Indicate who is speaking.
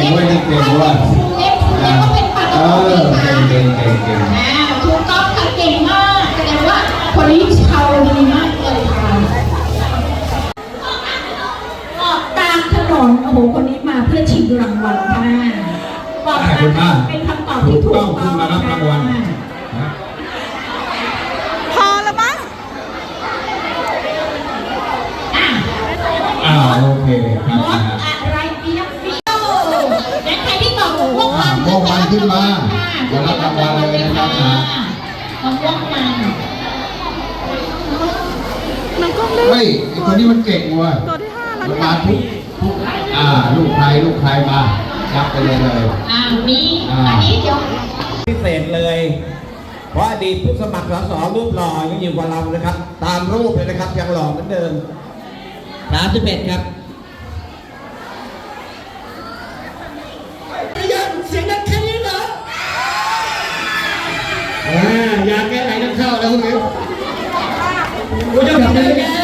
Speaker 1: เว้ยนี่เก่งเว้ย
Speaker 2: ก็เป็นปากกา
Speaker 1: เก่ง
Speaker 2: ถูกต้องค่ะเก่งมากแสดงว่าคนนี้ชาวดีมากเลยค่ะออกตามถนนโอ้โหคนนี้มาเพื่อชิงรางวัลค่ะบอกมาเป็นคำตอบที่ถูกต้อง
Speaker 1: ขึ้นมารับรางวัล
Speaker 3: พอแล้วมั้ง
Speaker 1: โอเคครับ
Speaker 2: อะไรเปียกฟิวและใครที่ตอบม่วง
Speaker 1: มันขึ้นมาจะรับรางวัลเลยนะครับ
Speaker 2: ม่วงมัน
Speaker 1: เฮ้ยไอ้คนนี้มันเก่งว่ะ
Speaker 3: ตัวที่5แล้ว
Speaker 1: มาทุกลูกใครมาจับไปเลย
Speaker 2: มีอันนี้เดี๋ยว
Speaker 4: พิเศษเลยเพราะอดีตผู้สมัครสสรูปหล่อยังอยู่กับเรานะครับตามรูปเลยนะครับยังหล่อเหมือนเดิม31ครับ
Speaker 2: เสียงดังแค่นี้เหรอ
Speaker 1: อยากแก้ไหนต้องเข้าแล้วคุณเอ๋กูจะทำได้ไง